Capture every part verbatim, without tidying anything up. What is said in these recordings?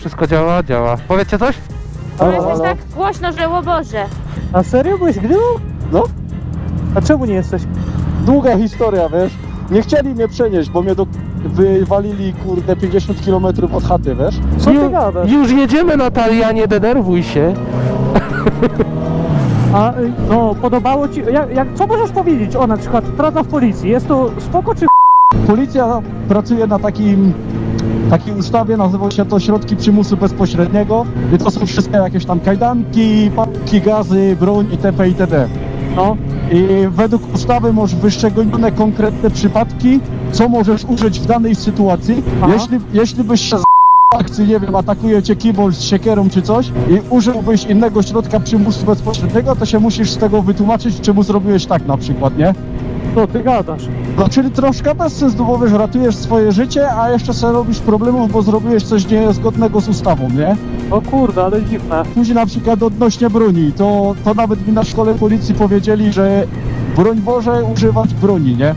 Wszystko działa? Działa. Powiecie coś? Bo Halo, jesteś halo. tak głośno, że o Boże. A serio byłeś grilą? No, A czemu nie jesteś? długa historia, wiesz. Nie chcieli mnie przenieść, bo mnie do... wywalili, kurde, pięćdziesiąt kilometrów od chaty, wiesz. Co ty Ju- gadasz? Już jedziemy, Natalia, nie denerwuj się. A y, no, podobało ci... Jak, jak, co możesz powiedzieć o na przykład praca w policji? Jest to spoko czy... Policja pracuje na takim... takiej ustawie, nazywa się to środki przymusu bezpośredniego i to są wszystkie jakieś tam kajdanki, papki, gazy, broń itp. itd. No, I według ustawy masz wyszczególnione konkretne przypadki, co możesz użyć w danej sytuacji. Aha. Jeśli, jeśli byś się z akcji, nie wiem, atakuje cię kibol z siekierą czy coś i użyłbyś innego środka przymusu bezpośredniego, to się musisz z tego wytłumaczyć, czemu zrobiłeś tak na przykład, nie? co ty gadasz? No, czyli troszkę bez sensu, bo wiesz, ratujesz swoje życie, a jeszcze sobie robisz problemów, bo zrobiłeś coś niezgodnego z ustawą, nie? O kurde, ale dziwne. Później na przykład odnośnie broni, to, to nawet mi na szkole policji powiedzieli, że broń Boże używać broni, nie?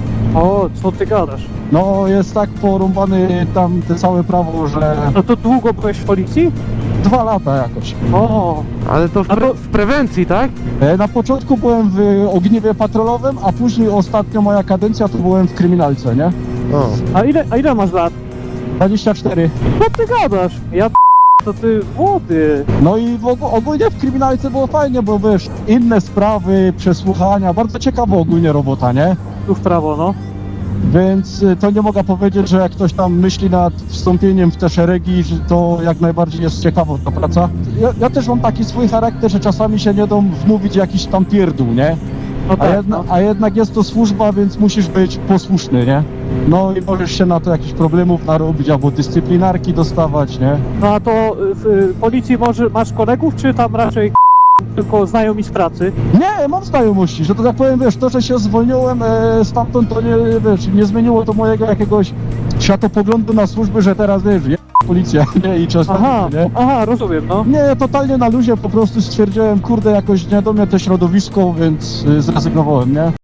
O, co ty gadasz? No jest tak porąbany tam te całe prawo, że No to długo byłeś w policji? dwa lata jakoś. O, Ale to w, A pre- to- w prewencji, tak? E, Na początku byłem w ogniwie patrolowym, a później ostatnio moja kadencja to byłem w kryminalce, nie? O. a ile, a ile masz lat? dwadzieścia cztery. Co ty gadasz? Ja p... to ty młody. No i w og- ogólnie w kryminalce było fajnie, bo wiesz, inne sprawy, przesłuchania, bardzo ciekawa ogólnie robota, nie? Tu w prawo, no. Więc y, to nie mogę powiedzieć, że jak ktoś tam myśli nad wstąpieniem w te szeregi, że to jak najbardziej jest ciekawa ta praca. Ja, ja też mam taki swój charakter, że czasami się nie dam wmówić jakiś tam pierdół, nie? No A, tak, jedna, no. a jednak jest to służba, więc musisz być posłuszny, nie? No i możesz się na to jakichś problemów narobić, albo dyscyplinarki dostawać, nie? No a to y, w y, policji może, masz kolegów, czy tam raczej tylko znajomi z pracy? Nie, mam znajomości, że to tak powiem, wiesz, to, że się zwolniłem e, stamtąd, to nie, wiesz, nie zmieniło to mojego jakiegoś światopoglądu na służby, że teraz, wiesz, je policja, nie? I czas Aha, nie? aha, rozumiem, no. Nie, totalnie na luzie, po prostu stwierdziłem, kurde, jakoś nie do mnie to środowisko, więc y, zrezygnowałem, nie?